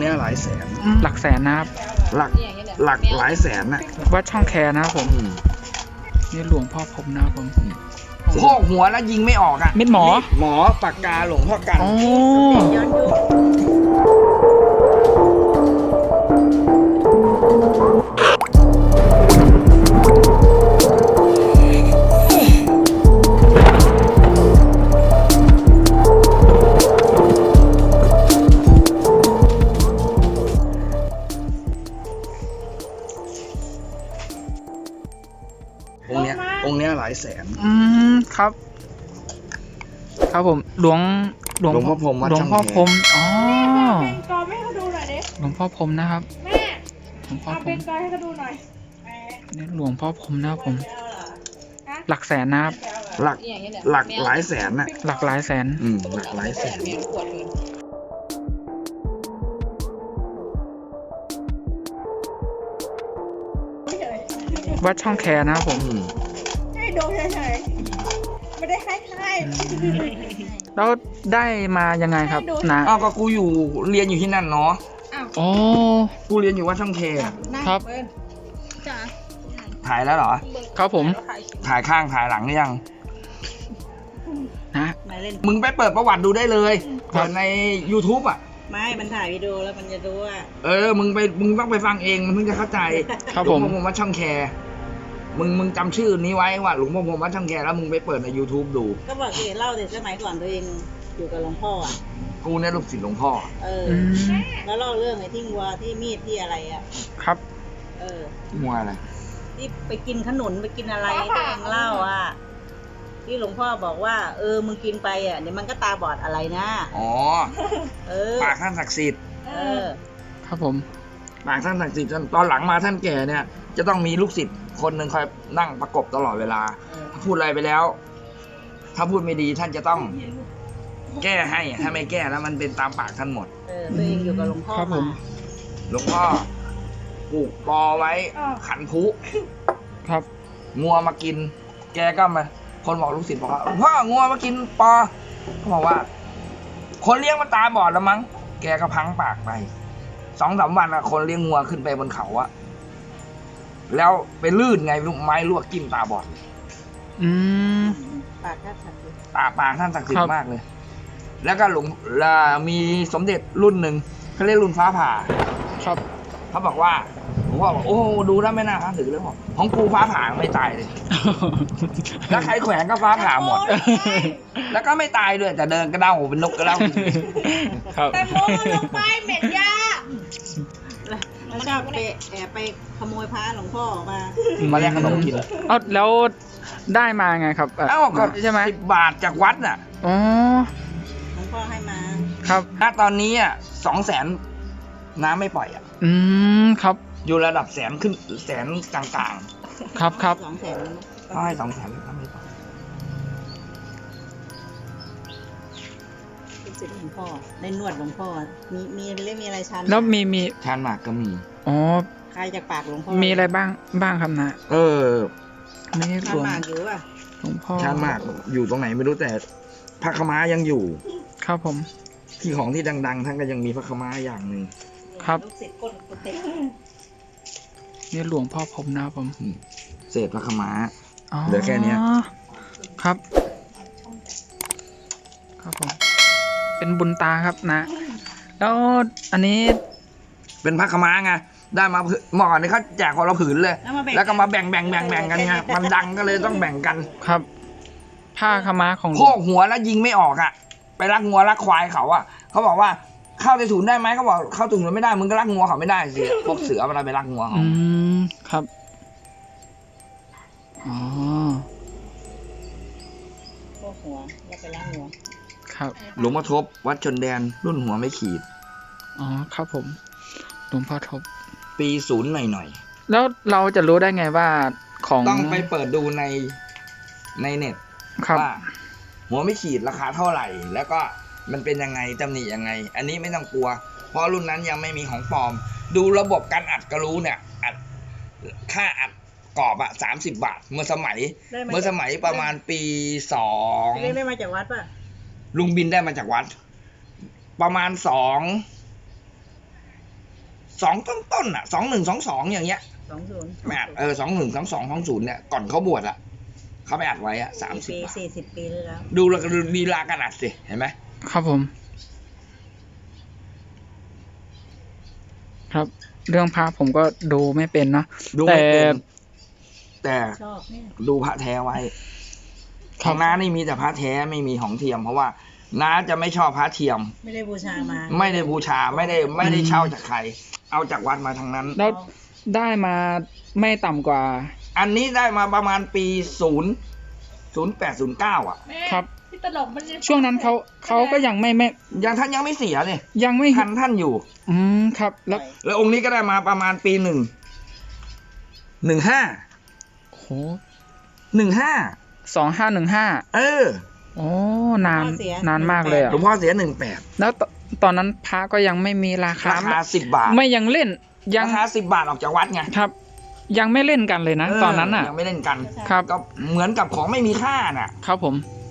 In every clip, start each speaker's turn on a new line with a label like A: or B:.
A: นี้หลายแสน
B: หลักแสนนะครับ
A: หลักหลายแสนน่ะ
B: วัดช่องแคนะครับผมนี่หลวงพ่อผมนะครับผม
A: พอกหัวแล้วยิงไม่ออกอ่ะ
B: เม็ดหม
A: อปากกาหลวงพ่อกันองค์เนี้ยหลายแสน
B: ครับครับผมหลวง
A: พ่อพรหม
B: หลวงพ่อพรหมอ๋อ
C: เป็นกอไม่ให้เขาดูหน่อยดิ
B: หลวงพ่อพรหมนะครับ
C: แม่
B: หลวงพ่อพรหม
C: เป็นกอให้เขาดูหน่อย
B: นี่หลวงพ่อพรหมนะครับผมหลักแสนนะครับ
A: หลักหลายแสนน่ะ
B: หลักหลายแสน
A: หลักหลายแสน
B: วัดช่องแคนะครับผม
C: ให้ดูเฉยๆไม่ได้ให้
B: แล้วได้มายังไงครับนะ
A: ก็กูอยู่เรียนอยู่ที่นั่นเนาะ
B: อ๋อ
A: กูเรียนอยู่วัดช่องแค
B: ครับ
A: ถ่ายแล้วเหรอ
B: ครับผม
A: ถ่ายข้างถ่ายหลังหรือยัง
B: นะ
A: มึงไปเปิดประวัติดูได้เลยเปิดใน YouTube อ่ะ
C: ไม่มันถ่ายวิดีโอแล้วมันจะดูว่า
A: มึงต้องไปฟังเองมันถึงจะเข้าใจ
B: ครับผม
A: หลวงพ่อพรหมวัดช่องแคมึงจำชื่อนี้ไว้ว่าหลวงพ่อพรหมวัดช่องแคแล้วมึงไปเปิดใน YouTube ดู
C: ก็บอกเองเล่าแต่สมัยก่อนตัวเองอยู่กับหลวงพ่ออ่ะ
A: กูเนี่ยลูกศิษย์หลวงพ่อ
C: แล้วเล่าเรื่องไอ้ที่วัวที่มีดที่อะไรอ่ะ
B: ครับ
A: มัวอะไร
C: ที่ไปกินขนุนไปกินอะไรตัวเองเล่าอ่ะที่หลวงพ่อบอกว่ามึงกินไปอ่ะเดี๋ยวมันก็ตาบอดอะไรนะ
A: ปากท่านศักดิ์สิทธิ์
B: ครับผม
A: ปากท่านศักดิ์สิทธิ์ตอนหลังมาท่านแก่เนี่ยจะต้องมีลูกศิษย์คนหนึ่งคอยนั่งประกบตลอดเวลาพูดอะไรไปแล้วถ้าพูดไม่ดีท่านจะต้องแก้ให้ถ้าไม่แก้แล้วมันเป็นตามปากท่านหมด
C: ตัวเองอยู่กับหลวงพ่อ
B: ครับผม
A: หลวงพ่อปลูกปอไว้ขันพุ
B: ครับ
A: งัวมากินแกก็มาคนบอกลูกศิษย์บอกว่าพ่องัวมากินปอเขาบอกว่าคนเลี้ยงมันตาบอดแล้วมั้งแกก็พังปากไป2-3 วันคนเลี้ยงงัวขึ้นไปบนเขาอะแล้วไปลื่นไงลูกไม้ลวกจิ้มตาบอด
C: ปากท่านศักดิ์สิทธิ์
A: ปากท่านศักดิ์สิทธิ์มากเลยแล้วก็มีสมเด็จรุ่นหนึ่งเขาเรียกรุ่นฟ้าผ่า
B: ครับ
A: เขาบอกว่าผมว่าโอ้ดูแล้วไม่น่าท้าถือเลยของกูฟ้าผ่าไม่ตายเลยแล้วใครแขวนก็ฟ้าผ่าหมดแล้วก็ไม่ตายด้วยแต่เดินกระเด้าเป็นนกกระเด้า
C: แต่โมลงไปเหม็นยาแล้วชอบไปแอบไปขโมยพระหลวงพ่อ
A: มาแลกขนมกิน
B: แล้วได้มาไงครับ
A: ก็ใช่ไหม10 บาทจากวัดน่ะ
C: หลวงพ่อให้มา
B: ครับ
A: ณตอนนี้200,000น้ำไม่ปล่อย
B: ครับ
A: อยู่ระดับแสนขึ้นแสนกลาง
B: ๆครับ
C: 200,000
A: ก็ให้200,000น้ำไม่ปล่อย
C: เป็นศิษย์หลวงพ่อได้นวดหลวงพ่อมีอะไรชัน
B: แล้วมี
A: ชันหมากก็มี
C: ใครจากปากหลวงพ่อ
B: มีอะไรบ้างครับนะ
C: ไม่ชันหมากอยู่ป่ะ
B: หลวงพ่อ
A: ชันหมากอยู่ตรงไหนไม่รู้แต่พระขม้ายังอยู่
B: ครับผม
A: ที่ของที่ดังๆท่านก็ยังมีพระขม้าอย่างหนึ่ง
B: ครับนี่หลวงพ่อผมนะครับผม
A: เศษพระขม้าเหลือแค่นี้
B: ครับครับผมเป็นบุญตาครับนะแล้วอันนี้
A: เป็นพระขม้าไงได้มาเมื่อก่อนนี่เขาแจกคนละผืนเลยแล้วก็มาแบ่งกันไงมันดังก็เลยต้องแบ่งกัน
B: ครับผ้าขม้าของ
A: พอกหัวแล้วยิงไม่ออกอ่ะไปรักงัวรักควายเขาอ่ะเขาบอกว่าเข้าในถุนได้ไหมเขาบอกเข้าถุนไม่ได้มึงก็รักงัวเขาไม่ได้สิพวกเสือมันไปรักงัวเขา
B: ครับ
C: พวกหัวแล้วไปรักงัว
B: ครับ
A: หลวงพ่อทบวัดชนแดนรุ่นหัวไม่ขีด
B: ครับผมหลวงพ่อทบ
A: ปี0หน่อย
B: แล้วเราจะรู้ได้ไงว่าของ
A: ต้องไปเปิดดูในเน็ตว่าหัวไม่ขีดราคาเท่าไหร่แล้วก็มันเป็นยังไงตำหนิยังไงอันนี้ไม่ต้องกลัวเพราะรุ่นนั้นยังไม่มีของปลอมดูระบบการอัดก็รู้เนี่ยอัดค่าอัดกรอบ30 บาทเมื่อสมัยประมาณปี2
C: ได้มาจากวัดป่ะ
A: ลุงบินได้มาจากวัดประมาณ2 2ต้นๆอ่ะ2122อย่างเงี้ย
C: 20
A: ไม่อัด212220เนี่ยก่อนเขาบวชอ่ะเขาไปอัดไว้อ่ะ30
C: ปี
A: บาท
C: 40 ปีแล้ว
A: ดูแล้วก็ดูลีลาการอัดสิเห็นไหม
B: ครับผม ครับ เรื่องพระผมก็ดูไม่เป็นเนาะ
A: ดู
B: แต่
A: ไม่เป็นแต่
C: ชอบเนี่ย
A: ดูพระแท้ไว้
B: ค
A: ข
B: รั
A: อบ งน้านี่มีแต่พระแท้ไม่มีของเทียม เพราะว่าน้าจะไม่ชอบพระเทียม
C: ไม่ได้บูชามา
A: ไม่ได้บูชาไม่ได้เช่าจากใคร เอาจากวัดมาทางนั้น
B: แล้วได้มาไม่ต่ำกว่า
A: อันนี้ได้มาประมาณปี0809อ่ะ
B: ครับ
D: พี่ตลกมันจะ
B: ช่วงนั้นเขาก็ยังไม่
A: ยังท่านยังไม่เสียเลย
B: ยังไม่
A: ท่านอยู่
B: ครับ แล้ว
A: แล้วองค์นี้ก็ได้มาประมาณปี15
B: โห
A: 15
B: 2515
A: เออ
B: โอ้นานมากเลยอ่ะ
A: หลวงพ่อเสีย18
B: แล้วตอนนั้นพระก็ยังไม่มีราคา
A: ราคา10 บาท
B: ไม่ยังเล่นยัง
A: ราคา10 บาทออกจากวัดไง
B: ครับ ยังไม่เล่นกันเลยนะ ตอนนั้นอ่ะ
A: ยังไม่เล่นกัน
B: ครับ
A: ก็เหมือนกับของไม่มีค่าน่ะ
B: ครับผม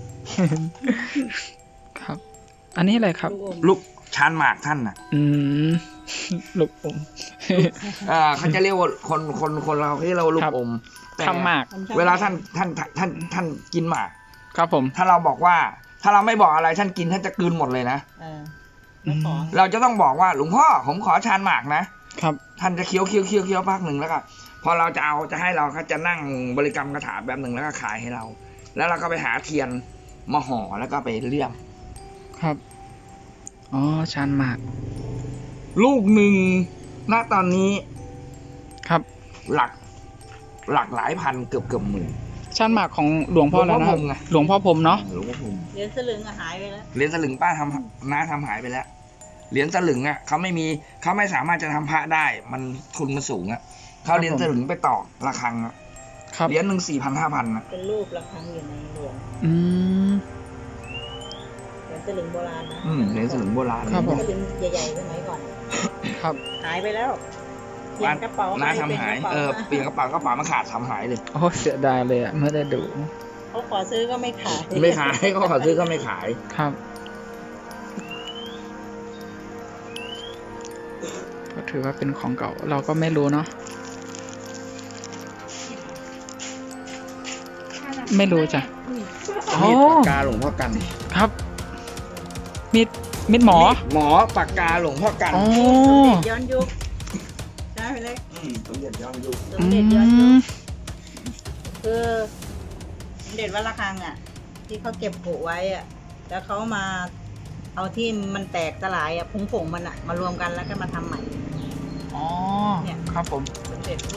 B: ครับ อันนี้อะไรครับ
A: ลูกชานหมากท่านน่ะ
B: ลูกอม
A: เขาจะเรียกว่าคนเราที่เราลู
B: ครั
A: ก
B: บ
A: อมแต่
B: ทำหมาก
A: เวลาท่านกินหมาก
B: ครับผม
A: ถ้าเราบอกว่า ถ้าเราไม่บอกอะไรท่านกินท่านจะกลืนหมดเลยนะ
C: ไม่ขอ
A: เราจะต้องบอกว่าหลวงพ่อผมขอชานหมากนะครับ ท่านจะเคี้ยวพักหนึ่งแล้วก็พอเราจะให้เราเขาจะนั่งบริกรรมคาถาแบบหนึ่งแล้วก็ขายให้เรา แล้วเราก็ไปหาเทียนมาห่อแล้วก็ไปเลี่ยม
B: ครับ อ๋อชานหมาก
A: ลูกหนึ่งณตอนนี้
B: ครับ
A: หลักหลายพันเกือบหมื่น
B: ชานหมากของหลวงพ่อแล้วนะค
A: หล
B: รั
A: ว
B: บ
A: งพ่อพรหมไง
B: หลวงพ่อพรหมเนาะ
A: หลวงพ่อพรหม
C: เหรียญสลึงหายไปแล้ว
A: เหรียญสลึงป้าน้าทำหายไปแล้วเหรียญสลึงอ่ะเขาไม่สามารถจะทำพระได้ มันทุนมันสูงอ่ะเขาเหรียญสลึงไปต่อระฆังอ่ะ
B: ครับ
A: เหรียญหนึ่ง4,000-5,000นะ
C: เป็นรูประฆังอยู่ในหลวง
B: อืม
C: เหรียญสลึงโบราณนะ
A: เหรียญสลึงโบราณ
B: ครับผม
C: สลึงใหญ่ๆสมัยก่อน
B: ครับ
C: หายไปแล้วเปลี่ยนกระเป๋า
A: น้า
C: ไป
A: ทำหาย
C: ป็นกระป๋
A: เปลี่ยนกระเป๋ามันขาดทำหายเลย
B: โอ้เสียดายเลยอ่ะไม่ได้ดู
C: เขาขอซื้อก็ไม่ขาย
A: ไม่ขายเขาขอซื้อก็ไม่ขาย
B: ครับ ก็ถือว่าเป็นของเก่า เราก็ไม่รู้เนาะ ไม่รู้จ้ะ อ๋อ
A: มีดปากกาหลวงพ่อกัน
B: ครับ มีดหมอ
A: หมอปากกาหลวงพ่อกัน
B: อ๋อ
C: สมเด็จย้อนยุคใช่ไหมเล็ก
A: สมเด็จย้อนยุค
C: ส
B: อื
C: มเด็จย้อนยุค
B: ม
C: คือสมเด็จวัดระฆังอ่ะ ที่เขาเก็บผูไว้อ่ะ แล้วเขามาเอาที่มันแตกสลายอ่ะผงมันอ่ะ มารวมกันแล้วก็มาทำใหม่
B: อ๋อ
C: เนี่ย
B: ครับผม
C: สมเด็จ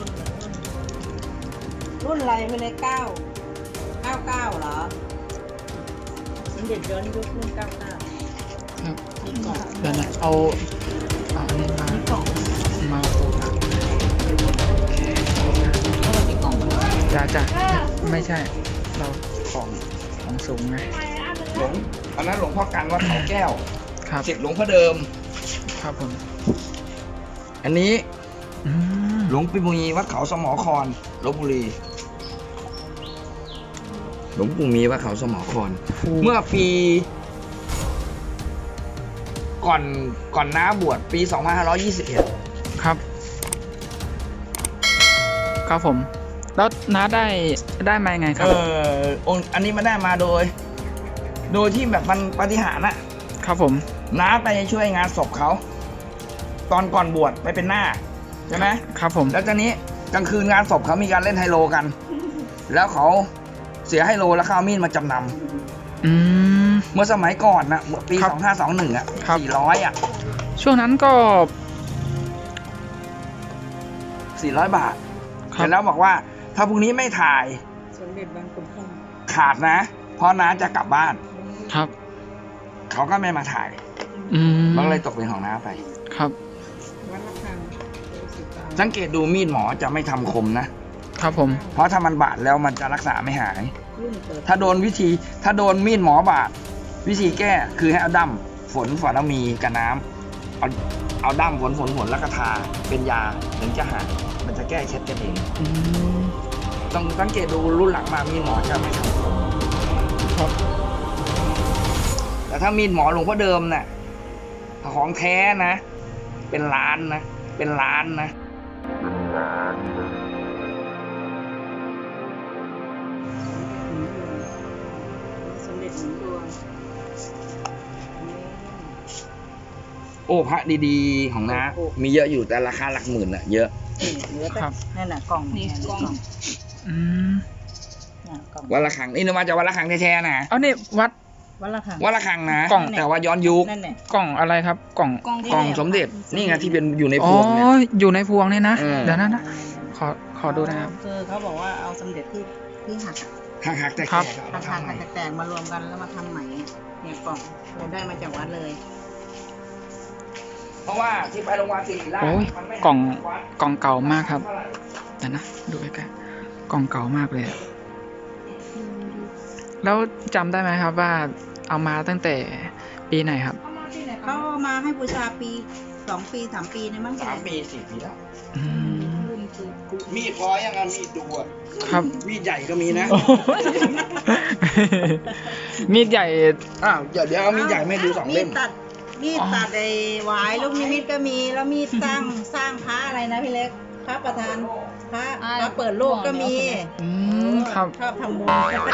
C: รุ่นอะไรไปเลย99เหรอสมเด็จย้อนยุครุ่น99
B: ครับ
C: มีกล่อง
B: เดี๋ยวนะเอาอันนี้มา
C: มีกล่อง
B: มา
C: แล้วมันมีกล่อง
B: จ้ะไม่ใช่ เราของสูงไง
A: อันนั้นหลวงพ่อกันวัดเขาแก้ว
B: ครับ
A: ศิษย์หลวงพ่อเดิม
B: ครับผม
A: อันนี้
B: อืม
A: หลวงปู่มีวัดเขาสมอครลพบุรี หลวงปู่มีวัดเขาสมอคร เมื่อปีก่อนน้าบวชปี 2521
B: ครับ ครับผม แล้วน้าได้มายังไงครับ
A: องค์อันนี้มาได้มาโดยที่แบบมันปาฏิหาริย์อะ
B: ครับผม
A: น้าไปช่วยงานศพเขา ตอนก่อนบวชไปเป็นหน้าใช่ไหม
B: ครับผม
A: แล้วตอนนี้กลางคืนงานศพเขามีการเล่นไฮโลกัน แล้วเขาเสียไฮโลแล้วเขาเอามีดมาจำนำ
B: อืม
A: เมื่อสมัยก่อนนะปี
B: ครับ
A: 2521อ่ะ
B: ครับ
A: 400 อ่ะ
B: ช่วงนั้นก็
A: 400 บาท
B: ครั
A: เสร็
B: บ
A: จแล้วบอกว่า ถ้าพรุ่งนี้ไม่ถ่าย
C: สมเด็จบางขุนพรหม
A: ขาดนะ เพราะน้าจะกลับบ้าน
B: ครับ
A: เขาก็ไม่มาถ่าย
B: อืม
A: มันก็เลยตกเป็นของน้าไป
B: ครับ
C: วัดระฆังโดยสิตา
A: สังเกตดูมีดหมอจะไม่ทำคมนะ
B: ครับผม
A: เพราะถ้ามันบาดแล้วมันจะรักษาไม่หาย
C: รุ่นเปิด
A: ถ้าโดนมีดหมอบาด วิธีแก้คือให้เอาดั้มฝนแล้วมีกับน้ำเอาดั้มฝนแล้วก็ทาเป็นยาถึงจะหายมันจะแก้เคล็ดกันเอง
B: อืม
A: ต้องสังเกตดูรุ่นหลังมามีดหมอจะไม่ทำคม
B: ครับ แต่
A: แต่ถ้ามีดหมอหลวงพ่อเดิมเนี่ยของแท้นะ เป็นล้านนะ เป็นเป็นล้านนะ
C: สมเด็จหนุนดวง
A: โอ้พระดีๆของน้ามีเยอะอยู่แต่ราคาหลักหมื่นอะเยอะ
C: เหลือแต่
B: ครับ
C: นั่นน่ะกล่อง
D: นี่กล่อง
B: อืม
C: น่ะกล่อง
A: วัดระฆังนี่นึกว่าจะวัดระฆังแท้ๆนะ
B: เอานี่วัด
C: วัดละคัง
A: วัดระฆังนะ
B: กล่อง
A: แต่ว่าย้อนยุค
C: นั่นแหละ
B: กล่องอะไรครับ กล่อง
D: กล่อง
A: กล่องสมเด็จนี่ไงที่เป็นอยู่ในพ
B: อ๋อ
A: วงเนี่ย
B: อยู่ในพวงเนี่ยนะ
A: เออ
B: เดี๋ยวนะนะขอดูนะครับ
C: คือเขาบอกว่าเอาสมเด็จที่หัก
A: หักๆแต่
B: ครับ
A: แก่ๆเอา
C: หั
A: มาก ทำใหม่
C: แตกๆมารวมกันแล้วมาทำใหม่เนี่ยกล่องเราได้มาจากวัดเลย
A: เพราะว่าที่ไปโรงพยาบาลศิริราช
B: โอ้ย
A: มันไม่
B: กล่อง
A: วัด
B: กล่องเก่ามากครับเดี๋ยวนะดูใกล้ๆกล่องเก่ามากเลยอะแล้วจำได้ไหมครับว่าเอามาตั้งแต่ปีไหนครับ
C: เขาเอามาให้บูชาปี2 ปี 3 ปีเนี่ยมั้ง
A: 3 ปี 4 ปีแล้ว
B: อืม
D: รุ่นคือกู
A: มีดพอยังอ่ะมีดดูอ่ะ
B: ครับ
A: มีดใหญ่ก็มีนะ
B: โอ้ยมีดใหญ่
A: อ้าวเดี๋ยวเอามีดใหญ่ไม่ดู2 เล่ม
C: มีดตัดไอ้หวายลูกนิมิตก็มีแล้วมีดสร้างพระอะไรนะพี่เล็กพระประธานพระเปิดโลกก็มี
B: อืมครับ
C: ชอบทำบุญ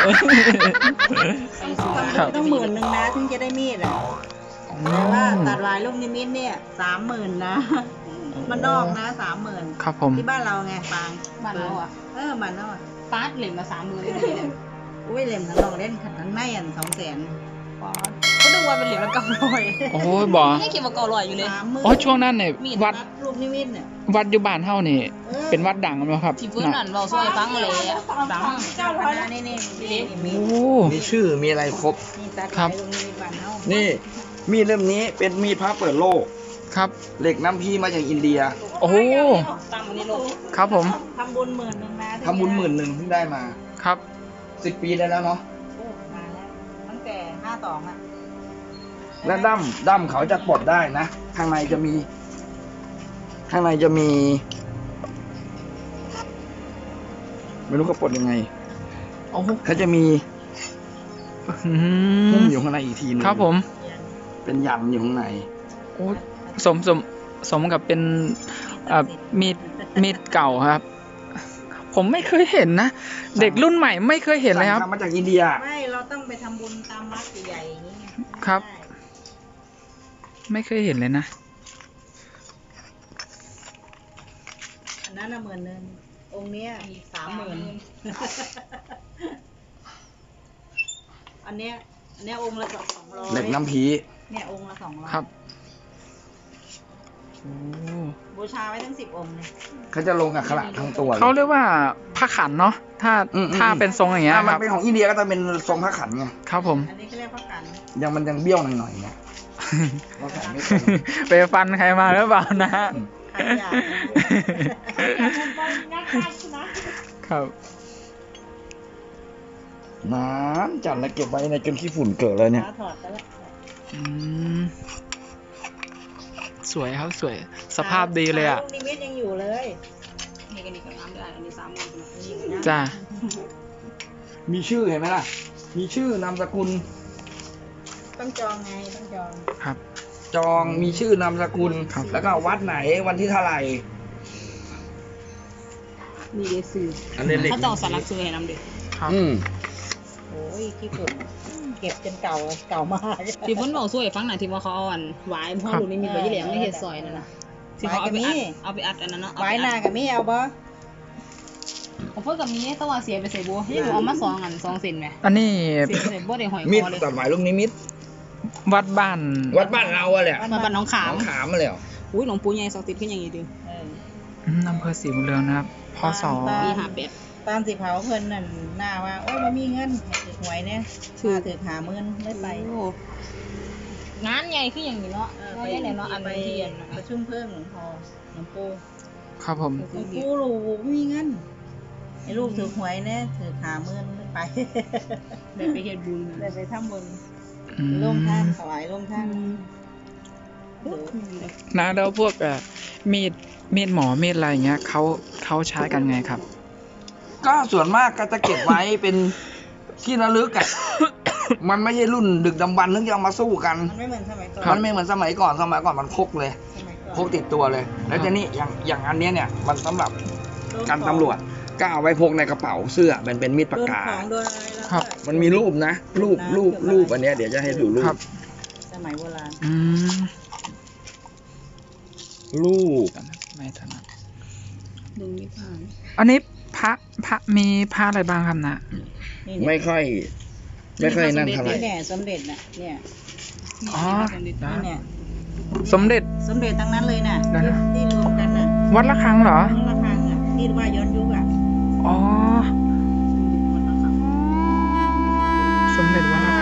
B: ครับ
C: ต้อง10,000นะถึงจะได้มีดอ่ะแต่ว่าตัดหวายลูกนิมิตเนี่ย30,000นะมันนอกนะ30,000
B: ครับผม
C: ที่บ้านเราไงปาง
D: บ้านเราอ่ะ
C: บ้านเราอ่ะ
D: ปาร์ตเหล่มมา30,000เลยนี่เลย
C: อุ้ยเล่มทั้งนอกเล่นขัดทั้งในอัน200,000
D: ปาร์ตเขาดูว่าเป็นเหล่มละ900
B: โอ้ยบอก
D: ไม่คิดว่า900อยู่เลย
C: 30,000
B: อ๋อช่วงนั้นเนี่ย
D: มีด
B: วัด
C: ลูกนิมิตเนี่ย
B: วัดอยู่บ้านเฮานี่ เป็นวัดดังไหมครับ
D: ที่เพื่อนนั่นเราซอยฟังเลยอ่ะดัง
C: 900แล้วนี่มี
B: โอ้
A: มีชื่อมีอะไรครบ
C: มีตัด
B: ครับ
C: ลูกนิมิตบ้านเฮา
A: นี่มีดเล่มนี้เป็นมีดพระเปิดโลก
B: ครับ
A: เหล็กน้ำพีมาจากอินเดีย
B: โอ้โห
D: ตั้งในโลก
B: ครับผม
C: ทำบุญ10,000นะ
A: ทำบุญ10,000เพิ่งได้มา
B: ครับ
A: 10 ปีได้แล้วเนาะ
C: โอ้มาแล้วตั้งแต่52อ่ะ
A: และดั้มเขาจะปลดได้นะ ข้างในจะมี ไม่รู้เขาปลดยังไง
B: โอ้โห
A: เขาจะมี
B: อื
A: หุ้ม
B: ม
A: อยู่ข้างในอีกทีนึง
B: ครับผม
A: เป็นยันอยู่ข้างใน
B: โอ้สมกับเป็นมีดเก่าครับ ผมไม่เคยเห็นนะ เด็กรุ่นใหม่ไม่เคยเห็นเลยครับ
A: สั่งทำมาจากอินเดีย
C: ไม่เราต้องไปทำบุญตามวัดใหญ่ๆอย่างนี้ไง
B: ครับ
C: ใช่
B: ไม่เคยเห็นเลยนะ
C: อันนั้นน่ะ10,000องค์เนี้ย30,000อันเนี้ยองค์ละ200
A: เหล็กน้ำพี
C: เนี่ยองค์ละ200
B: ครับโอ้
C: บูชาไว้ทั้ง10 องค์เลย
A: เขาจะลงกับขลังทั้งตัวลย
B: เขาเรียกว่าผ้าขันเนาะถ้า
A: อืม
B: ถ้าเป็นทรงอย่างเงี้ย
A: มั
B: คน รับ
A: เป็นของอินเดียก็จะเป็นทรงพระขันไง
B: ครับผม
C: อันนี้เขาเรียกพระกัน
A: มันยังเบี้ยวหน่อยๆไงเราใส่ไม่ตรง
B: ไปฟันใครมาหรือเปล่านะ
C: ขันใหญ่
B: ครับ
A: น้ำจัดแล้วเก็บไว้ในจนขี้ฝุ่นเกิดเลยเนี่ย
C: ถอดไปแล้ว
B: อืมสวยครับสวย สภาพดีเลยอ่ะ
C: ลูกนิมิตยังอยู่เลย
D: นี่กันดีกับน้ำได้อันนี้30,000
B: จ้า
A: มีชื่อเห็นไหมล่ะ มีชื่อนามสกุล
C: ต้องจองไงต้องจอง
B: ครับ
A: จองมีชื่อนามสกุล
B: ครับ
A: แล้วก็วัดไหนวันที่เท่าไหร่
D: มีเดซื้อ
A: อันนี้เล็ก
D: ถ้าเจ้าสลักซื้อให้น้ำเด็ก
B: ครับ
C: โอ้ยขี้ฝุ่นเก็บจนเก่ามาก
D: ที่เพิ่นบอกช่วยฟังหน่อยที่ว่าเขาเอาอันหวายพ่อลูกนี่มีใบยี่เหลี่ยมในเฮ็ดซอยนั่นน่ะที่เขาเอาไปอัดอันนั้นเนาะ
C: ไว้หน้ากับไม่เอาบ่
D: ของเพิ่นก็มีแต่ว่าเสียไปใส่บัวให้หนูเอามา2อัน2เซนแหม
B: อันนี้
D: เสียไปใส่บัวได้หอยค
A: มิด
D: อเลย
A: ตัดหมายลูกนิมิต
B: วัดบ้าน
A: วัดบ้านเราอะแหละ
D: มาบ้านน้องขาม
A: น้องขามมาแล้ว
D: อุ้ยหลวงปู่ใหญ่ศักดิ์สิทธิ์ขึ้นอย่างนี้ดิ
C: เออ
B: อำเภอศรีบุญเรืองนะครับพศ
D: ปี58
C: ตามสิเผาเพิ่นนั่นหน้าว่าโอ้ยมันมีเงินถือหวยเนี่ยถือ50,000ไม่ไป
D: โอ้งานใหญ่คืออย่างนี้เนาะงานใหญ่เลยเนาะอัน
C: ไป
D: เทียน
C: ประชุมเพิ่มหลวงพ่อหลวงปู่
B: ครับผม
C: หลวงปู่ลูกมีเงินไอ้ลูกถือหวยเนี่ยถือ50,000ไม่ไป
D: ได้ไปเฮ็ดบุญ
C: ได้ไปทำบุญ
B: อืม
C: ลงท่านถวายลงท่าน
B: นะแล้วพวกมีดหมอมีดอะไรอย่างเงี้ยเขาใช้กันไงครับ
A: ก็ส่วนมากก็จะเก็บไว้เป็นที่ระลึกอะ มันไม่ใช่รุ่นดึกดำบรรพ์ถึงจะเอามาสู้กัน
C: มันไม่เหมือนสมัยก่อน
A: มันไม่เหมือนสมัยก่อนมันพกเลย
C: สมัยก่อน
A: พกติดตัวเลย แล้วทีนี้อย่างอันเนี้ยเนี่ยมันสำหรับการตำรวจก็เอาไว้พกในกระเป๋าเสื้อมันเป็นมีดปากกา
C: โดนของโดนอะไรแล้ว
B: ครับ
C: ก็
A: มันมีรูปนะรูปอันเนี้ยเดี๋ยวจะให้ดูรู
B: ครั
A: ป
B: บ
C: สมัยโบราณ
B: อืม
A: รูป
B: ไม่ถนัด
D: ดึงไม่ผ่าน
B: อันนี้พระมีพระอะไรบ้างครับนะ
C: นี่
A: ไม่
C: เนี่ย
A: ค่อยนั่นเท่าไหร่
C: นี่เนี่ยสมเด็จน่ะเนี่ย
B: อ๋อ
C: นี่เนี่ย
B: สมเด็จ
C: สมเด็จทั้งนั้นเลยน่ะ
B: เดี๋ยวนะ
C: ที่รวมกันน่ะ
B: วัดละคังเหรอ
C: ทั้งระฆังอ่ะที่ว่าย้อนยุคอ่ะ
B: อ๋อ สมเด็จวัดละ